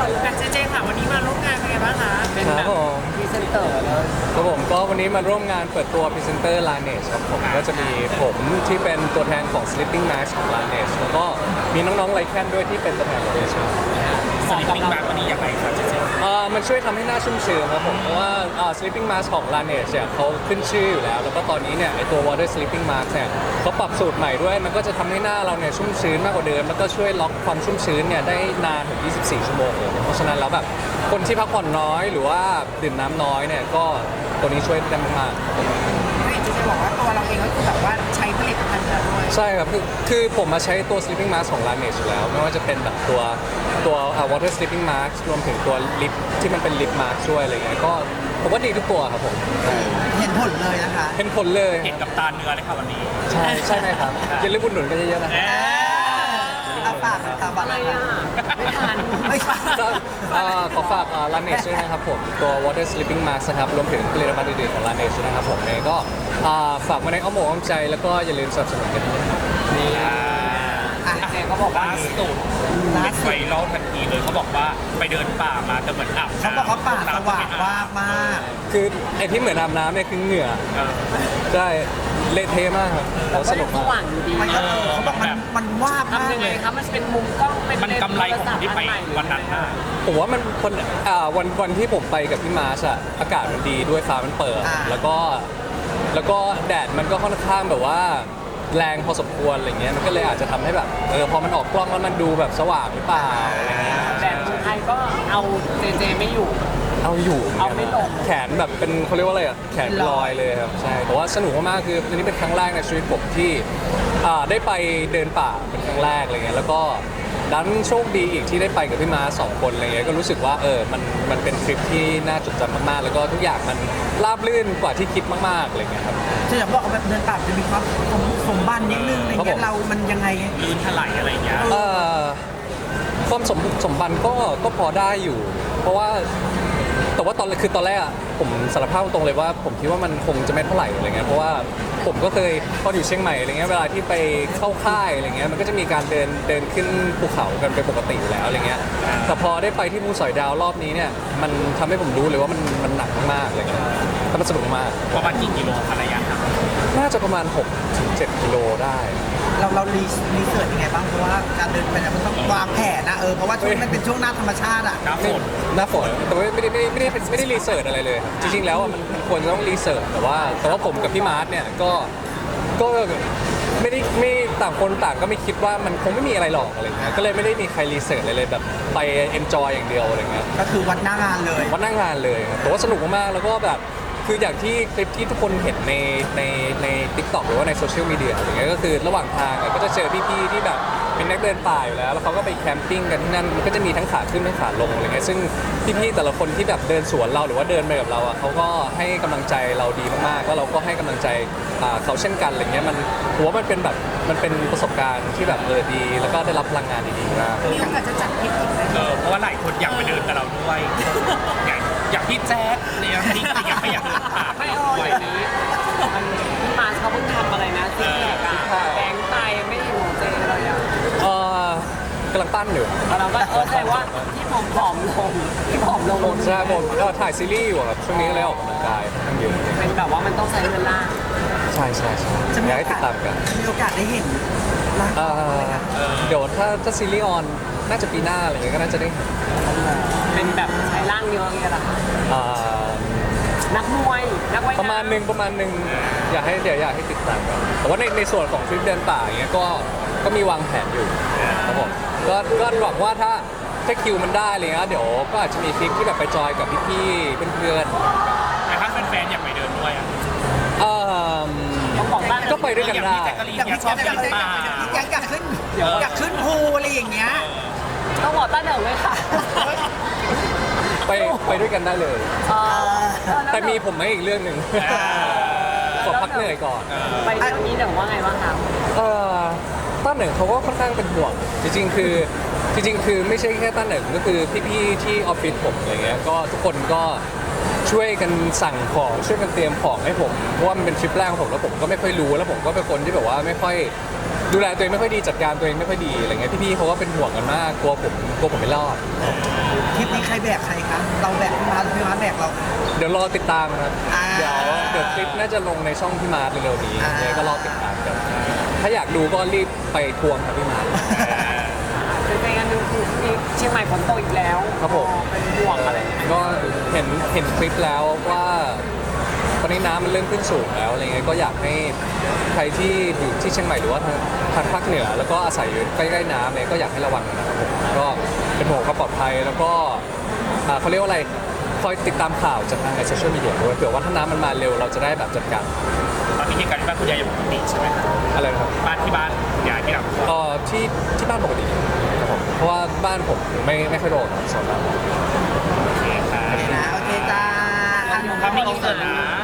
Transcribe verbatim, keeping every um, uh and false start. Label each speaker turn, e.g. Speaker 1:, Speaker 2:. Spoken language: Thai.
Speaker 1: แต่เจเจค่ะวันนี้มาร่วมงานเป็นไงบ้างคะเป็น
Speaker 2: ค
Speaker 1: แบ
Speaker 2: รับบ ผม
Speaker 1: พรีเซนเตอร์เลย
Speaker 2: ครับผมก็วันนี้มาร่วมงานเปิดตัวพรีเซนเตอร์ Laneige ครับผมก็จะมีผมที่เป็นตัวแทนของ Sleeping Mask ของ Laneige แล้วก็มีน้องๆไลแคนด้วยที่เป็นตัวแทนของ Laneige
Speaker 1: สลิปปิ้งแบ็กวันนี้ยังไงครับเจเจ
Speaker 2: อ่ามันช่วยทำให้หน้าชุ่มชื้นครับผมเพราะว่าอ่า Sleeping Mask ของ Laneige เนี่ยเขาขึ้นชื่ออยู่แล้วแล้วก็ตอนนี้เนี่ยไอตัว Water Sleeping Mask เนี่ยเขาปรับสูตรใหม่ด้วยมันก็จะทำให้หน้าเราเนี่ยชุ่มชื้นมากกว่าเดิมแล้วก็ช่วยล็อกความชุ่มชื้นเนี่ยได้นานถึงยี่สิบสี่ชั่วโมงเลยเพราะฉะนั้นแล้วแบบคนที่พักผ่อนน้อยหรือว่าดื่มน้ำน้อยเนี่ยก็ตัวนี้ช่วยได้มากๆ
Speaker 1: ไม่เจเจบอกว่าตัวเราเองก็คือแบบว่าใช้ผลิตภัณฑ์แล้วด้วย
Speaker 2: ใช่ครับคือคือผมมาใช้ตัว sleeping mask ของ Laneige อยู่แล้ว ไม่ว่าจะเป็นแบบตัวตัว uh, water sleeping mask รวมถึงตัวลิปที่มันเป็น lip mask ช่วยอะไรเงี้ยก็ผมว่าดีทุกตัวครับผมใช่
Speaker 3: เห็นผลเลยนะคะ
Speaker 2: เห็นผลเลย
Speaker 1: เห็นกับตาเนื้อเลยค่ะวันนี้
Speaker 2: ใช่ใช่ไหมครับอย่าลืมอุดหนุนกันเยอะๆนะ
Speaker 3: เอาปากตาบัตรอะไรอ่ะ
Speaker 1: ไม่ทัน
Speaker 3: ไม่ใช่
Speaker 2: ก็เอ่อขอฝาก uh, Laneige ด้วยนะครับผมตัว water sleeping mask นะครับรวมถึงผลิตภัณฑ์อื่นๆของ Laneige ด้วยนะครับผมเองก็อ่าฝากมาในอ้อมอกอ้อมใจแล้วก็อย่าลืมสนับสนุนกันด้วยนะครับ
Speaker 1: นี่
Speaker 3: อ่ะ
Speaker 1: เจก็บอกว่าสุด
Speaker 3: ล่า
Speaker 1: เป็น
Speaker 3: สุ
Speaker 1: ไว
Speaker 3: ด
Speaker 1: รัลทันทีเลยเขาบอกว่าไปเดินป่ามาแต่เหมือนอาบ
Speaker 3: เขาบอกเขาปากสว่างว่างมาก
Speaker 2: คือไอที่เหมือนอาบน้ำเนี่ยคือเหงื่อ
Speaker 1: เออ
Speaker 2: ใช่เละเทะมากครับแล้วสนุก
Speaker 4: ส
Speaker 2: มาก
Speaker 4: ว่างอยู่ดี
Speaker 3: มันก็เออเขาบอกมันมันว่าบมาก
Speaker 4: ทำยัง
Speaker 3: เล
Speaker 4: ไง
Speaker 3: ย
Speaker 4: คะมันเป็นมุมกล้องเป็น
Speaker 1: มันกำไรของคนที่ไปวันนั้นน่ะ
Speaker 2: ผมว่ามันคนอ่าวันวันที่ผมไปกับพี่มาร์ชอะอากาศมันดีด้วยฟ้ามันเปิด
Speaker 3: อ่า
Speaker 2: แล้วก็แล้วก็แดดมันก็ค่อนข้างแบบว่าแรงพอสมควรอะไรเงี้ยมันก็เลยอาจจะทำให้แบบเออพอมันออกกล้องแล้วมันดูแบบสว่างหรือเปล่าอะไรเงี้ย
Speaker 4: แต่คนไทยก็เอาเจเจไม่อยู่
Speaker 2: เอาอยู่
Speaker 4: เอาไม่ลง
Speaker 2: แขนแบบเป็นเขาเรียกว่าอะไรอะแขนลอยเลยครับใช่แต่ว่าสนุกมากๆคืออันนี้เป็นครั้งแรกในชีวิตผมที่อ่าได้ไปเดินป่าเป็นครั้งแรกอะไรเงี้ยแล้วก็ดันโชคดีอีกที่ได้ไปกับพี่มาสองคนอะไรเงี้ยก็รู้สึกว่าเออมันมันเป็นทริปที่น่าจดจำมากๆ แล้วก็ทุกอย่างมันราบรื่นกว่าที่คิดมากๆอะไรเงี้ยครับ
Speaker 3: จะอยากบอกว่าแบบเดินป่าจะมีความสมสมบันนิดนึงอะไร
Speaker 2: ครับผ
Speaker 3: เงี้
Speaker 2: ม
Speaker 3: ยเรามันยังไง
Speaker 1: ลื่นถลายอะไรอย่างเงี้ย
Speaker 2: เอ่อความสมสมบันก็ก็พอได้อยู่ เพราะว่าแต่ว่าตอนคือตอนแรกอะผมสารภาพตรงเลยว่า ผมคิดว่ามันคงจะไม่เท่าไหร่อะไรเงี้ยเพราะว่าผมก็เคยตอนอยู่เชียงใหม่อะไรเงี้ยเวลาที่ไปเข้าค่ายอะไรเงี้ยมันก็จะมีการเดินเดินขึ้นภูเขากันเป็นปกติอยู่แล้วอะไรเงี้ยแต่พอได้ไปที่ภูสอยดาวรอบนี้เนี่ยมันทำให้ผมรู้เลยว่ามันมันหนักมากๆอะไรเงี้ยแต่มันสนุกมาก
Speaker 1: ประมาณกี่กิโลคะระยะทาง
Speaker 2: น่าจะประมาณหกถึงเจ็ดกิโลได้
Speaker 3: เราเรารีรีเสิร์ชยังไงบ้างเพราะว่าการเดินไปเนี่ยมันต้องวางแผนนะเออเพราะว่าช่วงมันเป็นช่วงหน้าธรรมชาติอ่ะ
Speaker 1: หน้าฝน
Speaker 2: หน้าฝนแต่ว่าไม่ได้ไม่ได้ไม่ได้ไม่ได้รีเสิร์ชอะไรเลยครับจริงๆแล้วอะมันมันควรจะต้องรีเสิร์ชแต่ว่าแต่ว่าผมกับพี่มาร์ทเนี่ยก็ก็ไม่ได้ไม่ต่างคนต่างก็ไม่คิดว่ามันคงไม่มีอะไรหรอกอะไรเงี้ยก็เลยไม่ได้มีใครรีเสิร์ชอะไรเลยแบบไปเอนจอยอย่างเดียวอะไรเงี้ย
Speaker 3: ก็คือวัดหน้างานเลย
Speaker 2: วันนั่งงานเลยครับแต่ว่าสนุกมากๆแล้วก็แบบคืออย่างที่คลิปที่ทุกคนเห็นในในในทิกตอกหรือว่าในโซเชียลมีเดียอะไรเงี้ยก็คือระหว่างทางอะก็จะเจอพี่ๆที่แบบเป็นนักเดินป่าอยู่แล้วแล้วเขาก็ไปแคมปิ้งกันที่นั่นมันก็จะมีทั้งขาขึ้นทั้งขาลงอะไรเงี้ยซึ่งพี่ๆแต่ละคนที่แบบเดินสวนเราหรือว่าเดินไปกับเราอ่ะเขาก็ให้กำลังใจเราดีมากๆแล้วเราก็ให้กำลังใจอ่าเขาเช่นกันอะไรเงี้ยมันผมว่ามันเป็นแบบมันเป็นประสบการณ์ที่แบบเออดี แล้วก็ได้รับพลังงานดีๆมาก
Speaker 1: มีโอกาสจะจัดทริปอีกไหมเออเพราะว่าหลายคนอยากไปเดินกับเราด้วยอย่างอย่างพี่แจ๊คเนี่ยจริงๆอยากไปอยากเดินป่า
Speaker 4: ไม่เอาอย่างนี้มันพี่มาเขาเพิ่งทำอะไรนะซิกแพคอะแบงค์ไตไม่อยู่ของเจเลยอะ
Speaker 2: เออกำลังปั้นอยู่
Speaker 4: แล้วเราก็เออแสดงว่าที่ผอมผอมลงที่ผอมลง
Speaker 2: ใช่ผมก็ถ่ายซีรีส์อยู่ครับช่วงนี้ก็เลยออกกำลังกายค่อนข้างเยอะ
Speaker 4: เป็นแบบว่ามันต้องใช้เงินล่าง
Speaker 2: ใช่ใช่ใช่
Speaker 3: จะมี
Speaker 2: อยาก
Speaker 3: โอ
Speaker 2: ให้ติ
Speaker 3: กา
Speaker 2: ด
Speaker 3: ส
Speaker 2: ตามกัน
Speaker 3: มีโอกาสได้เห็นร่าง
Speaker 2: เอ่
Speaker 3: กาย
Speaker 2: อ
Speaker 3: ไหมคะ
Speaker 2: เดี๋ยวถ้าถ้าซีรีส์ออนน่าจะปีหน้าอะไรเงี้ยก็น่าจะได้เห็น
Speaker 4: เป็นแบบใช้ร่างเยอะอย่างเงี้ยเหรอคะ
Speaker 2: เอ่อ
Speaker 4: นักมวยนักว่าย
Speaker 2: ประมาณหนึ่งประมาณหนึ่งอยากให้เดี๋ยวอยากให้ติดตามกันแต่ว่าในในส่วนของทริปเดินป่าอย่างเงี้ยก็ก็มีวางแผนอยู่ครับผมก็ก็หวังว่าถ้าถ้าคิวมันได้อะไรเงี้ยเดี๋ยวก็อาจจะมีทริปที่แบบไปจอยกับพี่ๆเพื่อน
Speaker 1: แต่ถ้าแฟนๆอยากไปเดินด้วยอ่ะ
Speaker 2: ๆเอ่อ
Speaker 4: ต้องบอกบ้าน
Speaker 2: ก็ไปด้วยกันได้
Speaker 1: อย่างพี่แจ๊กกะลีน
Speaker 3: อยาก
Speaker 1: เนี่ย
Speaker 3: พี่
Speaker 1: ชอบ
Speaker 3: แจ๊ค
Speaker 1: เดินป่า
Speaker 3: อยากอยากขึ้นอยากขึ้นภูอะไรอย่างเงี้ย
Speaker 4: ต้องบอกต้าเหนิงเลยค่ะ
Speaker 2: ไปไปด้วยกันได้เลย
Speaker 4: เออ
Speaker 2: แต่มีผมไหมอีกเรื่องหนึ่งขอพักเหนื่อยก่อน
Speaker 4: ไปเรื่องนี้เหนิงว่าไงบ้างคะ
Speaker 2: เอ่อต้าเหนิงเขาก็ค่อนข้างเป็นห่วงจริงๆคือจริงๆคือไม่ใช่แค่ต้าเหนิงก็คือพี่ๆที่ออฟฟิศผมอะไรเงี้ยก็ทุกคนก็ช่วยกันสั่งของช่วยกันเตรียมของให้ผมเพราะว่ามันเป็นทริปแรกของผมแล้วผมก็ไม่ค่อยรู้แล้วผมก็เป็นคนที่แบบว่าไม่ค่อยดูแลตัวเองไม่ค่อยดีจัดการตัวเองไม่ค่อยดีอะไรเงี้ยพี่ๆเขาก็เป็นห่วงกันมากกลัวผมกลัวผมไม่รอด
Speaker 3: ทริปนี้ใครแบกใครคะเราแบกพี่มาร์ทหรือพี่มาร์ทแบกเรา
Speaker 2: เดี๋ยวรอติดตามครับ
Speaker 3: อ่า
Speaker 2: เดี๋ยวเดี๋ยวคลิปน่าจะลงในช่องพี่มาร์ทเร็วๆนี้
Speaker 3: อ่า
Speaker 2: เนี่ยก็รอติดตามกัน ถ้าอยากดูก็รีบไปทวงครับพี่มาร์ท
Speaker 4: เป็นไปกันหนึงคือที่เชียงใหม่ฝนตกอีกแล้ว
Speaker 2: ครับผม
Speaker 4: เป็นห่วงอะไรอย่างเงี้ย
Speaker 2: ก็เห็นเห็นคลิปแล้วว่าตอนนี้น้ำมันเริ่มขึ้นสูงแล้วอะไรเงี้ยก็อยากให้ใครที่อยู่ที่เชียงใหม่หรือว่าทางทางภาคเหนือ แล้วก็อาศัยอยู่ใกล้ๆน้ำเนี่ยก็อยากให้ระวังนะครับผมก็เป็นห่วงความปลอดภัยแล้วก็อ่าเขาเรียกว่าอะไรคอยติดตามข่าวจากทางในโซเชียลมีเดียด้วยเผื่อว่าถ้าน้ำมันมาเร็วเราจะได้แบบจัดการ
Speaker 1: ตอนนี้เหตุการณ์ที่บ้านคุณยายยังปกติใช่ไหมครับ
Speaker 2: อะไรนะครับ
Speaker 1: บ้านที่บ้านคุณยายที่เรา
Speaker 2: เอ่อที่ที่บ้านปกติครับผมเพราะว่าบ้านผมไม่ไม่ค่อยโดนสำหรับ
Speaker 1: โอเคครับ
Speaker 3: นะโอเคจ้า
Speaker 1: ทำไม่อินเสิร์ตนะ